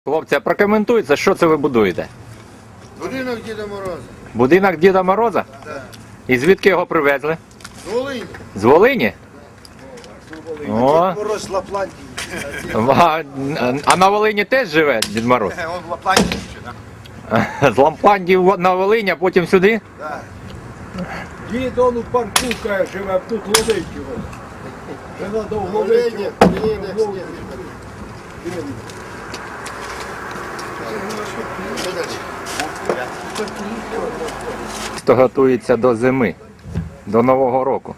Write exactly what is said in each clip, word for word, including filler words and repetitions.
Хлопці, а прокоментуйте, що це ви будуєте? Будинок Діда Мороза. Будинок Діда Мороза? Так. І звідки його привезли? З Волині. З Волині? О, Дід Мороз з Лапландії. а, а на Волині теж живе Дід Мороз? Он в Лапландії ще, так? З Лампландії в- на Волині, а потім сюди? Так. Дід он у парку каже, живе, тут ловить його. Це треба вловити Волині, його. приїде Вловити. сніг. Що далі? Хто готується до зими, до Нового року.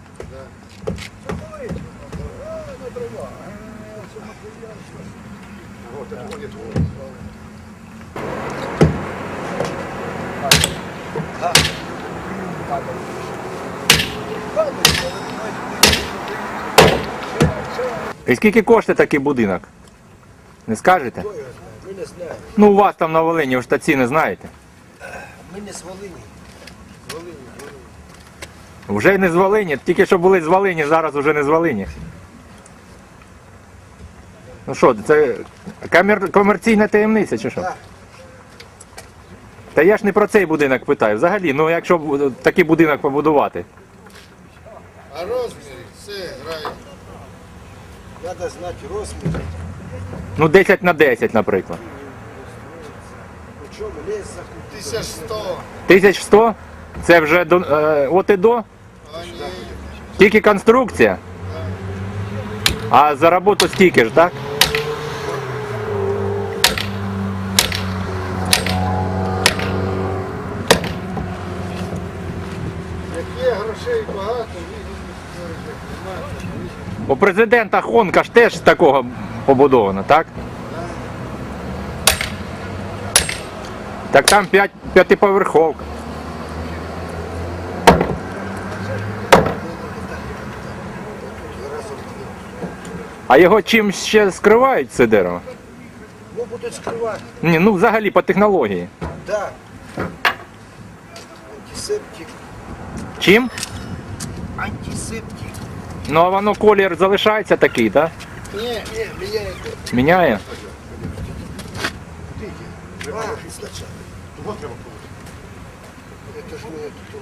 І скільки коштує такий будинок? Не скажете? Ми не знаємо. Ну у вас там на Волині, ви ж та ціни знаєте. Ми не з Волині. Волині, Волині. Вже не з Волині, тільки що були з Волині, зараз вже не з Волині. Ну що, це комер... комерційна таємниця чи що? Так. Та я ж не про цей будинок питаю. Взагалі, ну якщо б такий будинок побудувати. А розміри, все грає. Треба знати розмір. Ну десять на десять, наприклад. По чому ліс захопити. тисяча сто. тисяча сто? Це вже до, е, от і до? А ні. Тільки конструкція? А за роботу стільки ж, так? Як є грошей багато, У президента Хонка ж теж з такого побудовано, так? Так там п'ять, п'ятиповерховка. А його чим ще скривають, це дерево? Ну, будуть скривати. Ні, ну взагалі по технології. Так. Антисептик. Чим? Антисептик. Ну а воно колір залишається такий, так? ні. Ні, міняє. Міняє? А, спочатку. Это ж не тут.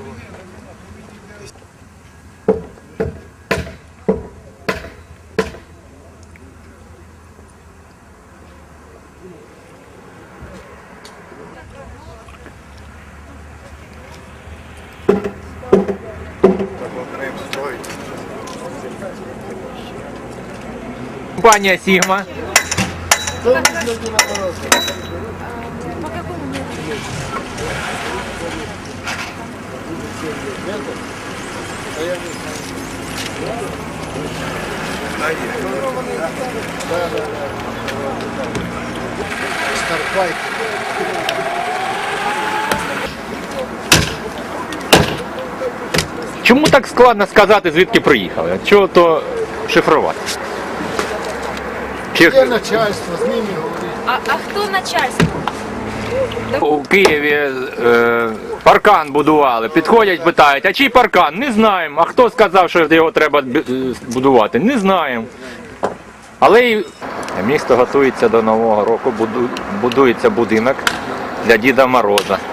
Компанія Сігма. Хто будинок Діда Мороза? А я не знаю. Старпайк. Чому так складно сказати, звідки приїхали? Чого то шифрувати? Чи Є начальство, з ними говорити. А, а хто начальство? у Києві е, паркан будували, підходять, питають, а чий паркан? Не знаємо. А хто сказав, що його треба б- е, будувати? Не знаємо. Але і місто готується до Нового року, буду- будується будинок для Діда Мороза.